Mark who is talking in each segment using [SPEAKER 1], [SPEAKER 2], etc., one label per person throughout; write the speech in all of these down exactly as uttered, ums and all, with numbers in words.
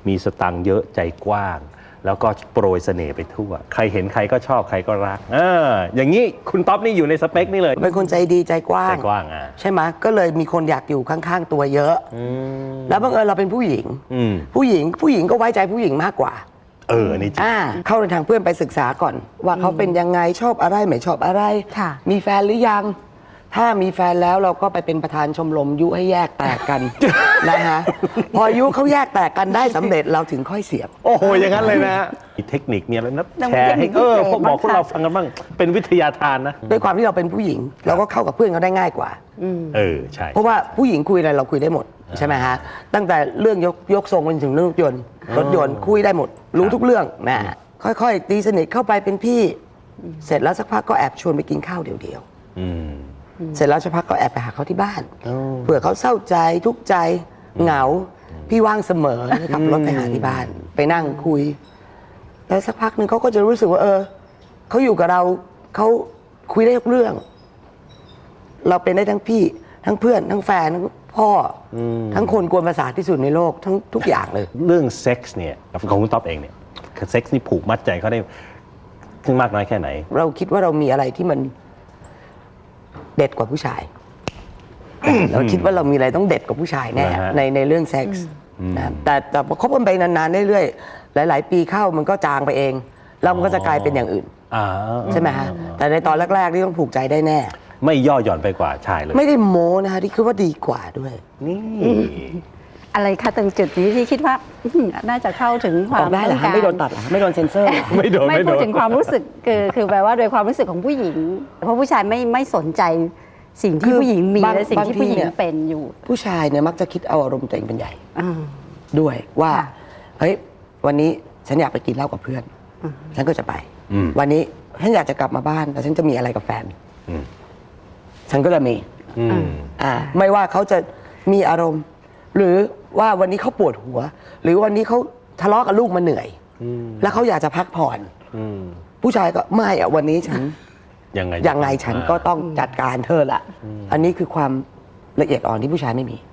[SPEAKER 1] มีสตังค์เยอะใจกว้างแล้วก็โปรยเสน่ห์ไปทั่วใครเห็นใครก็ชอบใครก็รักเอออย่างนี้คุณต๊อบนี่อยู่ในสเปคนี่เลย
[SPEAKER 2] เป็นคนใจดีใจกว้าง
[SPEAKER 1] ใจกว้างอ่ะ
[SPEAKER 2] ใช่ไหมก็เลยมีคนอยากอยู่ข้างๆตัวเยอะแล้วบังเอิญเราเป็นผู้หญิงผู้หญิงผู้หญิงก็ไว้ใจผู้หญิงมากกว่า
[SPEAKER 1] เออนี่จริง
[SPEAKER 2] เข้าในทางเพื่อนไปศึกษาก่อนว่าเขาเป็นยังไงชอบอะไรไม่ชอบอะไรมีแฟนหรือยังถ้ามีแฟนแล้วเราก็ไปเป็นประธานชมรมยุให้แยกแตกกัน นะฮะพอยุเขาแยกแตกกันได้สำเร็จเราถึงค่อยเสียบ
[SPEAKER 1] โอ้โหอย่างนั้นเลยนะมีเทคนิคมีอะไรนะแชร์ให้เออพวกบอกพวกเราฟังกันบ้างเป็นวิทยาทานนะ
[SPEAKER 2] ด้วยความที่เราเป็นผู้หญิงเราก็เข้ากับเพื่อนเขาได้ง่ายกว่า
[SPEAKER 1] เออใช่
[SPEAKER 2] เพราะว่าผู้หญิงคุยอะไรเราคุยได้หมดใช่ไหมฮะตั้งแต่เรื่องยกยกทรงไปถึงเรื่องรถยนต์รถยนต์คุยได้หมดรู้ทุกเรื่องนะค่อยๆตีสนิทเข้าไปเป็นพี่เสร็จแล้วสักพักก็แอบชวนไปกินข้าวเดียวๆเสร็จแล้วสักพักก็แอบไปหาเขาที่บ้านเผื่อเขาเศร้าใจทุกข์ใจเหงาพี่ว่างเสมอขับรถไปหาที่บ้านไปนั่งคุยแล้วสักพักหนึ่งเขาก็จะรู้สึกว่าเออเขาอยู่กับเราเขาคุยได้ทุกเรื่องเราเป็นได้ทั้งพี่ทั้งเพื่อนทั้งแฟนทั้งพ่อทั้งคนกวนประสาทที่สุดในโลกทั้งทุกอย่างเลย
[SPEAKER 1] เรื่องเซ็กส์เนี่ยของคุณต๊อบเองเนี่ยเซ็กส์นี่ผูกมัดใจเขาได้ถึงมากน้อยแค่ไหน
[SPEAKER 2] เราคิดว่าเรามีอะไรที่มันเด็ดกว่าผู้ชายเราคิดว่าเรามีอะไรต้องเด็ดกว่าผู้ชายแน่ในในเรื่องเซ็กส์นะแต่แต่พอคบกันไปนานๆเรื่อยๆหลายๆปีเข้ามันก็จางไปเองแล้วมันก็จะกลายเป็นอย่างอื่นใช่ไหมฮะแต่ในตอนแรกๆนี่ต้องผูกใจได้แน่
[SPEAKER 1] ไม่ย่อหย่อนไปกว่าชายเลย
[SPEAKER 2] ไม่ได้โม้นะคะที่คิดว่าดีกว่าด้วย
[SPEAKER 1] นี่
[SPEAKER 3] อะไรคะตรงจุดนี้ที่คิดว่าน่าจะเข้าถึงความ
[SPEAKER 2] ได้เหรอไม่โดนตัดเหรอไม่โดนเซ็นเซอร์
[SPEAKER 1] ไม่โดน
[SPEAKER 3] ไม่พูดถึงความรู้สึกคือคือแปลว่าโดยความรู้สึกของผู้หญิงเพราะผู้ชายไม่ไม่สนใจสิ่งที่ผู้หญิงมีและสิ่งที่ผู้หญิงเป็นอยู่
[SPEAKER 2] ผู้ชายเนี่ยมักจะคิดเอาอารมณ์ตัวเองเป็นใหญ่ด้วยว่าเฮ้ยวันนี้ฉันอยากไปกินเหล้ากับเพื่อนฉันก็จะไปวันนี้ฉันอยากจะกลับมาบ้านแต่ฉันจะมีอะไรกับแฟนฉันก็จะมีอ่าไม่ว่าเขาจะมีอารมณ์หรือว่าวันนี้เขาปวดหัวหรือวันนี้เขาทะเลาะกับลูกมาเหนื่อยแล้วเขาอยากจะพักผ่อนผู้ชายก็ไม่อะวันนี้ฉัน
[SPEAKER 1] ยังไง
[SPEAKER 2] ยังไงฉันก็ต้องจัดการเธอละอันนี้คือความละเอียดอ่อนที่ผู้ชายไม่มี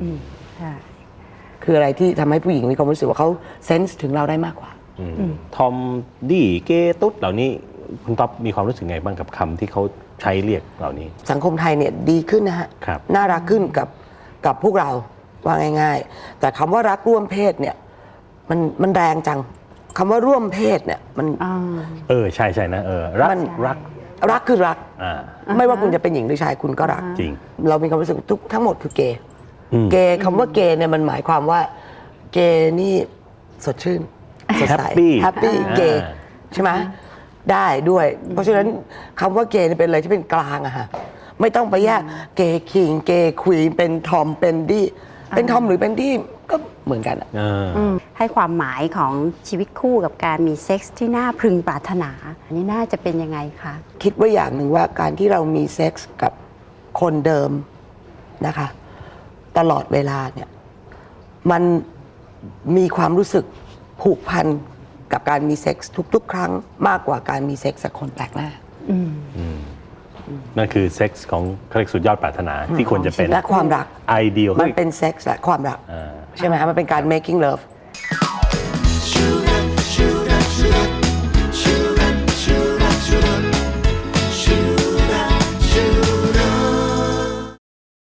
[SPEAKER 2] คืออะไรที่ทำให้ผู้หญิงมีความรู้สึกว่าเขาเซนส์ถึงเราได้มากกว่า
[SPEAKER 1] ทอมดี้เกตุ๊ดเหล่านี้คุณต๊อบมีความรู้สึกไงบ้างกับคำที่เขาใช้เรียกเหล่านี้
[SPEAKER 2] สังคมไทยเนี่ยดีขึ้นนะฮะน่ารักขึ้นกับกับพวกเราว่าง่ายๆแต่คำว่ารักร่วมเพศเนี่ยมันมันแรงจังคำว่าร่วมเพศเนี่ยมัน
[SPEAKER 1] เออใช่ใช่นะเออรักรัก
[SPEAKER 2] รักคือรักไม่ว่าคุณจะเป็นหญิงหรือชายคุณก็รัก
[SPEAKER 1] จริง
[SPEAKER 2] เรามีความรู้สึกทุกทั้งหมดคือเกย์เกย์คำว่าเกย์เนี่ยมันหมายความว่าเกย์นี่สดชื่นสดใสแฮปปี้เกย์ใช่ไหมได้ด้วยเพราะฉะนั้นคำว่าเกย์เป็นอะไรที่เป็นกลางอะฮะไม่ต้องไปแยกเกย์คิงเกย์ควีนเป็นทอมเป็นดี้เป็นทอมหรือเป็นดี้ก็เหมือนกันอะ
[SPEAKER 3] ให้ความหมายของชีวิตคู่กับการมีเซ็กส์ที่น่าพึงปรารถนาอันนี้น่าจะเป็นยังไงคะ
[SPEAKER 2] คิดว่าอย่างหนึ่งว่าการที่เรามีเซ็กส์กับคนเดิมนะคะตลอดเวลาเนี่ยมันมีความรู้สึกผูกพันกับการมีเซ็กส์ทุกๆครั้งมากกว่าการมีเซ็กส์กับคนแปลกหน้า
[SPEAKER 1] นั่นคือเซ็กส์ของเขาเรียกสุดยอดปรารถนาที่ควรจะเป็น
[SPEAKER 2] และความรัก
[SPEAKER 1] ไอเดีย
[SPEAKER 2] มันเป็นเซ็กส์และความรักใช่ไหมคะมันเป็นการ making love